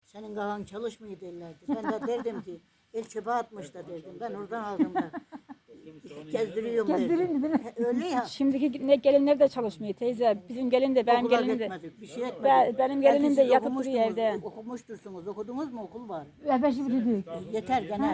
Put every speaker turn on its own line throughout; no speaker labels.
Senin kafan çalışmıyor derlerdi. Ben de derdim ki el çöpe atmış da derdim. Ben oradan aldım da. Gezdiriyorum derdim.
Gezdirin değil mi?
Öyle ya.
Şimdiki ne gelinler de çalışmıyor teyze. Bizim gelin de benim
Okula
gelinim de.
gitmedik, bir şey etmedik.
Benim gelinim
Belki
de
siz
yatıp duruyor evde.
Okumuştursunuz. Okudunuz mu okul var?
Beşi bitirdik.
Yeter gene.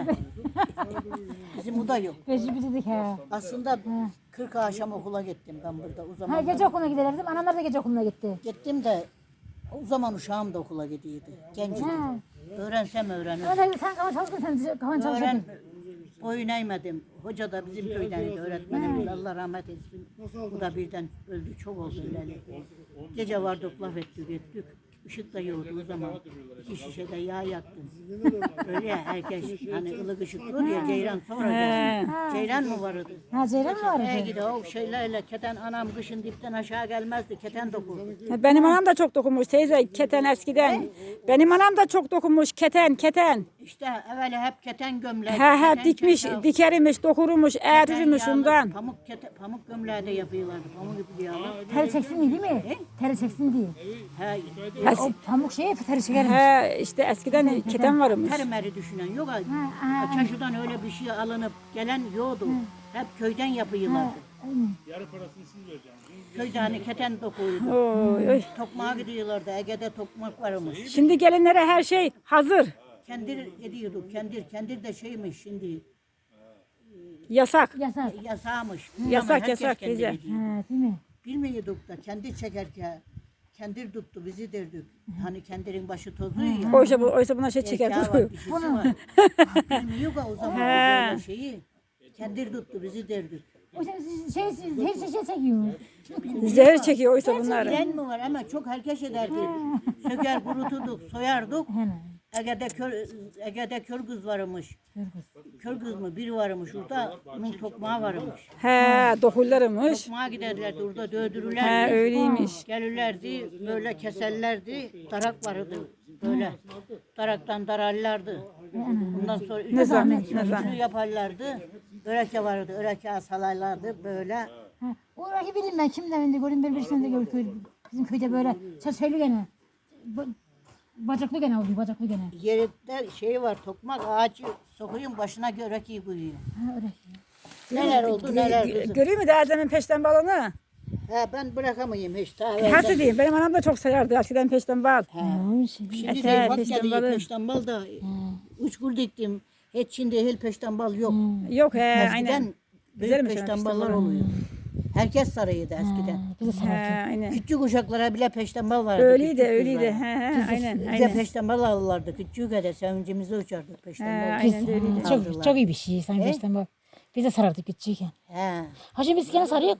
Bizim bu da yok.
Beşi bitirdik he.
Aslında 40 akşam okula gittim ben burada. O
Ha
zaman
gece okuluna giderdim. Anamlar da gece okuluna gitti.
gittim de o zaman uşağım da okula gidiyordu. Genciydi.
Ha.
Öğrensem öğrenir.
Ama sen kafan çalışkın sen kafan
Öğren
çalışkın.
boyun eğmedim. Hoca da bizim köydeniydi öğretmenimiz. Allah rahmet etsin. Bu da birden öldü. Çok oldu öleli. Gece vardık laf ettik. Işık da yoktu o zaman. 2 şişede yağ yaktım. Öyle ya herkes hani ılık ışık olur ya Ceyran sonra geldi. Ceyran mı vardı?
Ha Ceylan mı vardı?
Gidi o şeylerle keten anam kışın dipten aşağı gelmezdi. Keten dokur.
Benim anam da çok dokunmuş teyze keten eskiden. Benim anam da çok dokunmuş keten.
İşte evvel hep keten gömlek.
He
keten
dikmiş,
çatal,
dikermiş, dokurmuş,
keten
eğrirmiş
yağlı,
ondan.
Pamuk gömleği de yapıyorlardı. Pamuk ipi yağlı.
Teri çeksin diye değil mi? Teri çeksin diye.
He,
O pamuk şeye teri çekermiş.
He işte eskiden keten varmış.
terimeri düşünen yok. Çarşıdan öyle bir şey alınıp gelen yoktu. Hep köyden yapıyorlardı.
Yarı parasını siz vereceksiniz.
Köyde hani keten dokuydu.
Oy, oy.
Tokmağa gidiyorlardı. Ege'de tokmak varmış.
Şimdi gelinlere her şey hazır.
Kendir ediyorduk. Kendir de şeymiş şimdi.
Yasak.
Yasak.
Yasağmış.
Yasak,
Ama herkes
yasak
kendir
teyze.
ediyor.
Ha değil mi?
Bilmiyorduk da kendir çekerken kendir tuttu bizi derdik. Hani kendirin başı tozluyor ya.
Oysa buna şey çeker.
Erkeği var, dişisi var. Bilmiyor ya o zaman böyle şeyi. Kendir tuttu bizi derdik.
O şey her şey çekiyor.
Zehir çekiyor oysa bunlar.
Bilen mi var ama çok herkes ederdi. Söker kuruturduk, soyardık.
Hemen.
Ege'de kör kız varmış. Kör kız mı? Biri varmış orada. Onun tokmağı varmış.
He dokullarımış.
Tokmağa giderlerdi orada
He
dövdürürlerdi.
öyleymiş.
Gelirlerdi böyle keserlerdi. Darak vardı böyle. Daraktan dararlardı. Ondan sonra
Ne zahmet, ne
üstünü
zahmet.
yaparlardı. Öreke vardı. Öreke asalaylardı böyle.
Ha. Orayı bileyim ben kimden de gördüm birisini de gördüm. Bizim köyde böyle şeyli gene. Bacaklı gene oluyor bacaklı gene.
Yerinde şey var tokmak ağacı sokuyun başına örekeyi koyuyor.
Ha öyle.
Neler oldu neler kızım.
Görüyor mu Derzem'in peşten balını?
He ben bırakamayayım hiç. Daha
Nasıl diyeyim? Benim anam da çok sayardı eskiden peşten bal.
Şimdi
Ete,
de bak
peşten
geliyor
balı.
peşten bal da üç kur diktim. Hiç şimdi hel peşten bal yok.
Yok he aynen.
Eskiden büyük
Güzelmiş
peşten
peşten
ballar
balı.
oluyor. Herkes sarayıydı eskiden.
Bize
He
sarıldı.
aynen.
Küçük uşaklara bile peşten bal vardı.
Öyleydi
küçük
öyleydi.
kızlara.
He he aynen
Bize
aynen.
peşten bal alırlardı. Küçük de sevincimizi uçardık
He
peşten bal.
aynen de öyleydi.
Çok iyi bir şey sanki peşten bak. Bize sarardık küçükken.
He.
Ha şimdi biz gene sarıyoruz.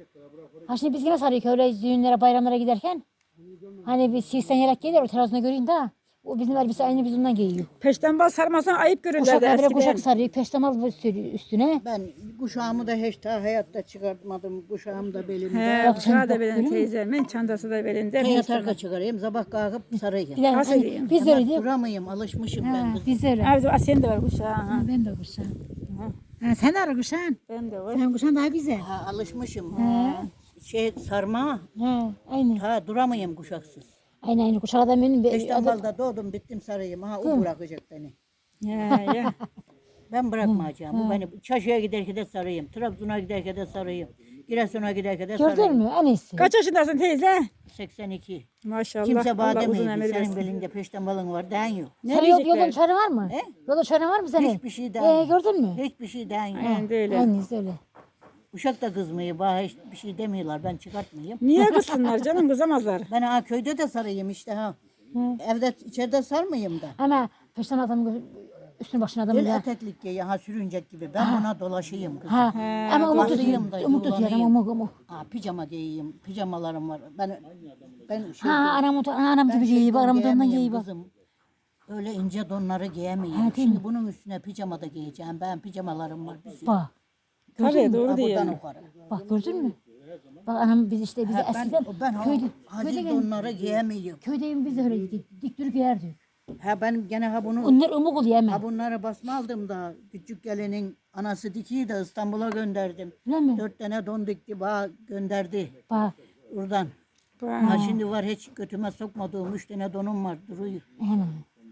Ha şimdi biz gene sarıyoruz öyle düğünlere bayramlara giderken. Hani bir 80 yelek gelir o terazına göreyim de. O bizim elbise aynı biz ondan giyiyor.
Peşten bal sarmasan ayıp görürlerdi
Kuşaklar böyle kuşak
eskiden.
sarıyor, peştemal sürüyor üstüne.
Ben kuşağımı da hiç daha hayatta çıkartmadım. Kuşağım da belimde.
He kuşağı da belinde teyzemin çantası da belinde.
Yatarka çıkarayım. Sabah kalkıp sarayım.
Bir de
Nasıl
hani
diyeyim?
biz öyle diyor.
Duramayım. Alışmışım ben. kız.
Biz öyle.
Ha bizim Asiye'nin de var kuşağı. Ha.
Ben de kuşağım. Ha, sen de ara kuşağın.
Ben de var.
Sen kuşağın daha güzel.
Ha, alışmışım. Şey sarma.
Ha, aynı.
Ha duramayım kuşaksız.
Aynı kuşak adam benim.
Beşten balda doğdum bittim sarayım. Ha o bırakacak beni.
Ya.
Ben bırakmayacağım. Bu beni çarşıya giderken de sarayım. Trabzon'a giderken de sarayım. Giresun'a giderken de
Gördün
sarayım.
mü? En iyisi.
Kaç yaşındasın teyze?
82.
Maşallah.
Kimse bana
Allah uzun
demiyor.
ömür
Senin
versin.
belinde peşten balın var. Den yok.
Ne
Senin
diyecekler?
yolun çare var mı? Yolun çare var mı senin?
Hiçbir şey den.
Gördün mü?
Hiçbir şey den yok.
Aynen de öyle.
Aynı öyle.
Uşak da kızmıyor. Bana hiçbir şey demiyorlar. Ben çıkartmayayım.
Niye kızsınlar canım kızamazlar.
Ben ha köyde de sarayım işte ha. Evde içeride sarmayayım da.
Ama peşten adam üstüne başına adam
Böyle
ya.
eteklik giy, ha sürüncek gibi. Ben buna dolaşayım kızım.
Ha. Ama umut
Dolaşayım
tutuyor.
da
Umut tutuyor ama
yuvarlanayım.
umut.
Ha pijama giyeyim. Pijamalarım var. Ben
Ha anam gibi giyiyor. Anam da ondan
giyemeyeyim
giyiyor bak.
kızım. Öyle ince donları giyemeyeyim. Şimdi bunun üstüne pijama da giyeceğim. Ben pijamalarım var. Bir sürü.
Bak.
Tabii doğru
Ha,
diyor.
buradan yukarı.
Bak gördün mü? Bak anam biz işte bize
Ha,
eskiden
ben
köyde
hacil donları giyemiyorum.
köyde biz de öyle dik dur giyerdik.
Ha ben gene ha bunu
Onlar umuk oluyor hemen.
ha bunları basma aldım da küçük gelinin anası dikiyi de İstanbul'a gönderdim.
Öyle mi?
4 tane don dikti bana gönderdi
Bak.
oradan. Ha şimdi var hiç götüme sokmadığım 3 tane donum var duruyor.
Hemen.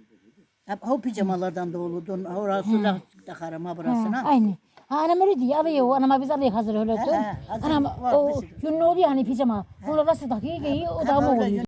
Hep o pijamalardan da olurdun. Orası lastik takarım ha burasına.
Aynı. Ha, anam öyle diyor. Alıyor. Anama biz alıyor hazır öyle.
He, hazır
Anam
var,
o
bir sürü.
yünlü oluyor hani pijama. Onu nasıl takıyor giyiyor. O da mı
orada
oluyor.